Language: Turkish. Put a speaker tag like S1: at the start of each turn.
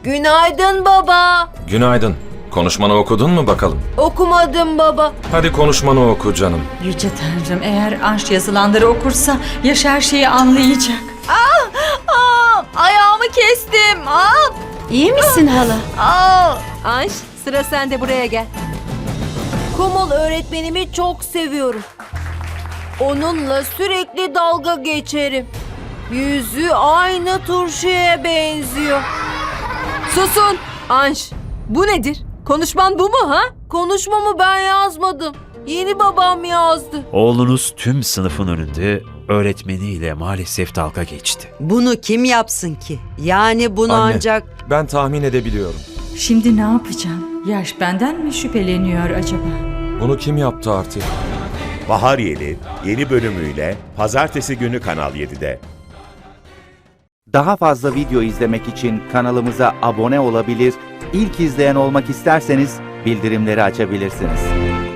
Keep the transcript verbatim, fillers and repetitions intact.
S1: Günaydın baba.
S2: Günaydın. Konuşmanı okudun mu bakalım?
S1: Okumadım baba.
S2: Hadi konuşmanı oku canım.
S3: Yüce Tanrım, eğer Anş yazılanları okursa Yaş her şeyi anlayacak.
S1: Aa, ayağımı kestim. Aa,
S4: İyi misin hala?
S1: aa.
S4: Anş, sıra sende, buraya gel.
S1: Kumul öğretmenimi çok seviyorum. Onunla sürekli dalga geçerim. Yüzü aynı turşuya benziyor.
S4: Susun! Anş, bu nedir? Konuşman bu mu ha?
S1: Konuşmamı ben yazmadım. Yeni babam yazdı.
S5: Oğlunuz tüm sınıfın önünde öğretmeniyle maalesef dalga geçti.
S6: Bunu kim yapsın ki? Yani bunu
S2: Anne.
S6: ancak...
S2: Ben tahmin edebiliyorum.
S3: Şimdi ne yapacağım? Yaş benden mi şüpheleniyor acaba?
S2: Bunu kim yaptı artık?
S7: Bahar Yeli yeni bölümüyle pazartesi günü Kanal yedide.
S8: Daha fazla video izlemek için kanalımıza abone olabilir, ilk izleyen olmak isterseniz bildirimleri açabilirsiniz.